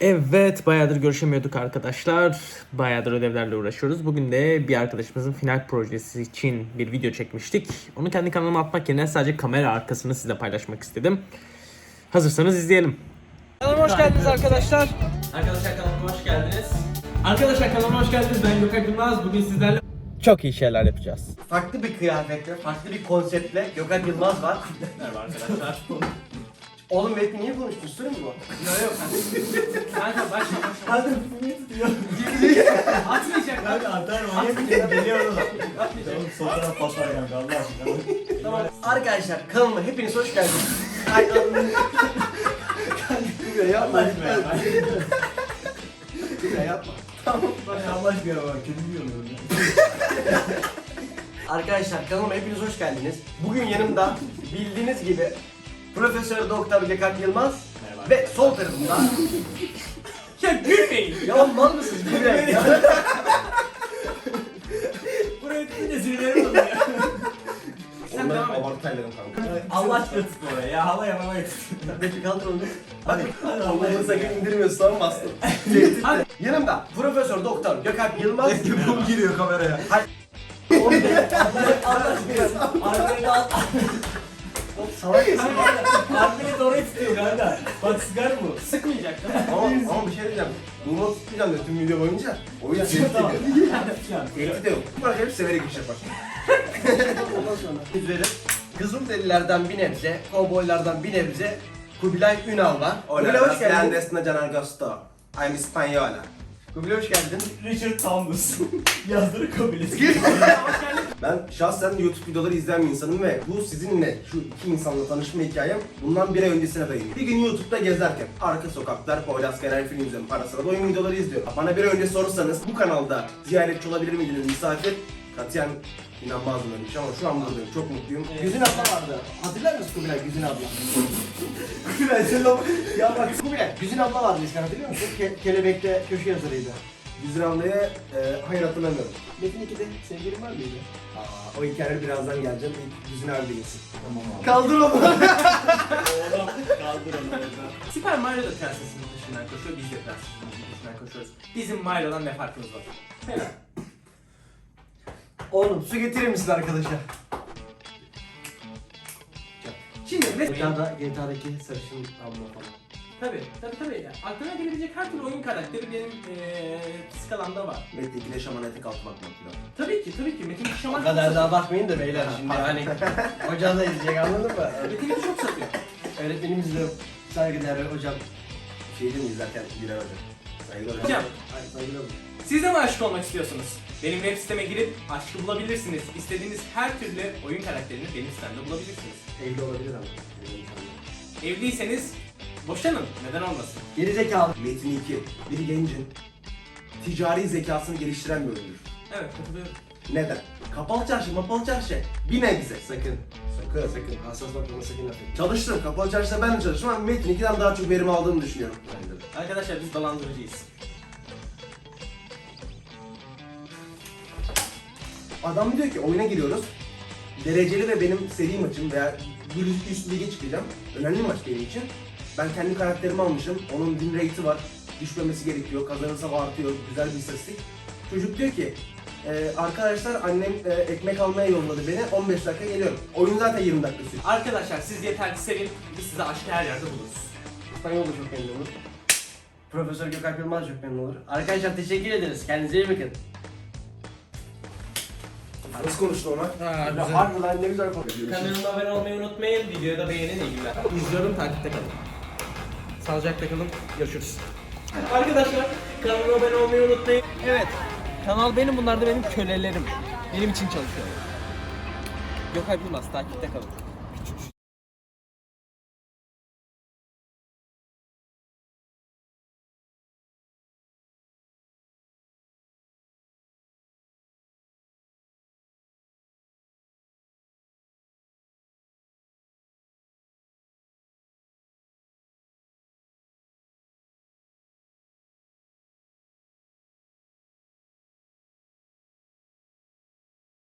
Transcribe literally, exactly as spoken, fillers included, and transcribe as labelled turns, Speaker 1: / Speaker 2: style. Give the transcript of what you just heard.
Speaker 1: Evet, bayağıdır görüşemiyorduk arkadaşlar. Bayağıdır ödevlerle uğraşıyoruz. Bugün de bir arkadaşımızın final projesi için bir video çekmiştik. Onu kendi kanalıma atmak yerine sadece kamera arkasını size paylaşmak istedim. Hazırsanız izleyelim. Kanalıma hoş geldiniz arkadaşlar. Arkadaşlar kanalıma hoş geldiniz. Arkadaşlar kanalıma hoş geldiniz. Ben Gökhan Yılmaz. Bugün sizlerle çok iyi şeyler yapacağız.
Speaker 2: Farklı bir kıyafetle, farklı bir konseptle Gökhan Yılmaz var.
Speaker 1: Merhaba arkadaşlar.
Speaker 2: Oğlum Metin niye konuştun? Sır mı bu?
Speaker 1: Yok yok kanka. Kanka başla başla.
Speaker 2: Hadi filmi tutuyor.
Speaker 1: Atmayacak.
Speaker 2: Hadi atar manyak geliyor oğlum. Oğlum sol taraf paslar kanka Allah aşkına. Tamam. Arkadaşlar kanalıma hepiniz hoş geldiniz. Ay Allah'ım. Kanka yapma. Ya yapma. Tamam. Allah aşkına bak kötü yiyorum. Arkadaşlar kanalıma hepiniz hoş geldiniz. Bugün yanımda bildiğiniz gibi Profesör Doktor Gökhan Yılmaz ve sol tarafımda
Speaker 1: Ya gülmeyin.
Speaker 2: ya mal mısınız? Gülmeyin ya.
Speaker 1: Buraya tutunca sinirlerim oluyor ya. Sen devam et.
Speaker 2: Abartaylarım kanka.
Speaker 1: Allah aşkına tutma oraya ya. Hava yapamaya tut.
Speaker 2: Peki kaldır onu. Hadi. Hadi Allah'ını sakın indirmiyorsun tamam bastım.
Speaker 1: Hadi.
Speaker 2: Yanımda Profesör Doktor Gökhan Yılmaz.
Speaker 3: Bu giriyor kameraya.
Speaker 2: Allah aşkına.
Speaker 1: Arkaya da al.
Speaker 2: Salak mısın?
Speaker 1: Arkaya doğru tutuyor kanka. Bak sıkar bu. Sıkmayacak.
Speaker 2: Ama, ama bir şey diyeceğim. Bunu tutmayacağım diyor tüm video boyunca. O yüzden tehdit ediyor. Tehdit de yok. Bak hep severek iş yapar. Ondan sonra. Üzeri Kızılderililerden bir nebze, kovboylardan bir nebze Kubilay Ünal var. Kubilay hoş geldin.
Speaker 3: Desna Can Agosto. I'm Espanyola.
Speaker 2: Kubilay hoş geldin.
Speaker 1: Richard Thomas. Yazdırı kabilesi.
Speaker 3: Ben şahsen YouTube videoları izleyen bir insanım ve bu sizinle şu iki insanla tanışma hikayem bundan bir ay öncesine dayanıyor. Bir gün YouTube'da gezerken arka sokaklar, Poyraz Genel film izliyorum. Ara sıra da oyun videoları izliyorum. Bana bir ay önce sorursanız bu kanalda ziyaretçi olabilir miydiniz, misafir? Katiyen inanmazdım öyle bir şey ama şu an buradayım. Çok mutluyum.
Speaker 2: Güzin abla vardı. Hatırlar mısın Kubilay Güzin abla? Kubilay sen o... Ya bak Kubilay Güzin abla vardı eskiden hatırlıyor musun? Ke Kelebek'te köşe yazarıydı.
Speaker 3: Güzin ablaya e, hayır hatırlamıyorum.
Speaker 2: Metin ikide sevgilin var mıydı?
Speaker 3: Aa, o hikayeler birazdan geleceğim. İlk Güzin abi gelsin.
Speaker 1: Tamam abi.
Speaker 2: Kaldır onu.
Speaker 1: Oğlum kaldır onu oradan. Süper Mario da prensesinin peşinden koşuyor. Biz de prensesinin peşinden koşuyoruz. Bizim Mario'dan ne farkımız var? Helal.
Speaker 2: Oğlum su getirir misin arkadaşa? Şimdi G T A'da, G T A'daki sarışın abla falan.
Speaker 1: Tabii, tabii tabii. Ya. Aklına gelebilecek her türlü oyun karakteri benim ee, skalamda var.
Speaker 3: Metin ikide şaman etek altı bakmak falan.
Speaker 1: Tabii ki, tabii ki. Metin iki şaman
Speaker 2: O kadar daha bakmayın da beyler şimdi
Speaker 1: Ha,
Speaker 2: hani hoca da izleyecek anladın mı?
Speaker 1: Metin iki çok satıyor.
Speaker 2: Öğretmenimiz de saygıdeğer hocam.
Speaker 3: Şeydi mi izlerken Bilal Hoca? Saygılar hocam.
Speaker 1: Hocam,
Speaker 2: Ay saygılar hocam.
Speaker 1: siz de mi aşık olmak istiyorsunuz? Benim web siteme girip aşkı bulabilirsiniz. İstediğiniz her türlü oyun karakterini benim sitemde bulabilirsiniz.
Speaker 2: Evli olabilir ama.
Speaker 1: Evliyseniz boşanın. Neden olmasın?
Speaker 2: Geri zekalı.
Speaker 3: Metin iki, bir gencin ticari zekasını geliştiren bir oyundur.
Speaker 1: Evet, katılıyorum.
Speaker 3: Neden? Kapalı çarşı, mapalı çarşı. Bir nebze.
Speaker 2: Sakın.
Speaker 3: Sakın.
Speaker 2: Sakın. Hassas bakmama sakın laf etme.
Speaker 3: Çalıştım, kapalı çarşıda ben de çalıştım ama Metin ikiden daha çok verim aldığımı düşünüyorum. Bence de.
Speaker 1: Arkadaşlar biz dolandırıcıyız.
Speaker 3: Adam diyor ki oyuna giriyoruz. Dereceli ve benim seri maçım veya bir üst, üst lige çıkacağım. Önemli maç benim için. Ben kendi karakterimi almışım. Onun win rate'i var. Düşmemesi gerekiyor. Kazanırsam artıyor. Güzel bir istatistik. Çocuk diyor ki e, arkadaşlar annem e, ekmek almaya yolladı beni. on beş dakika geliyorum. Oyun zaten yirmi dakika sürüyor.
Speaker 1: Arkadaşlar siz yeter ki sevin, biz size aşkı her yerde buluruz.
Speaker 2: İspanyol da çok memnun olur. Profesör Gökhan Yılmaz çok memnun olur. Arkadaşlar teşekkür ederiz. Kendinize iyi bakın.
Speaker 3: Nasıl konuştu ona?
Speaker 1: Ha,
Speaker 2: Ya harbi lan ne güzel konuşuyor.
Speaker 1: Kanalıma abone olmayı unutmayın, videoyu da beğenin, iyi günler. İzliyorum, takipte kalın. Sağlıcakla kalın, görüşürüz. Arkadaşlar, kanalıma abone olmayı unutmayın. Evet, kanal benim, bunlar da benim kölelerim. Benim için çalışıyorlar. Gökhan Yılmaz, takipte kalın.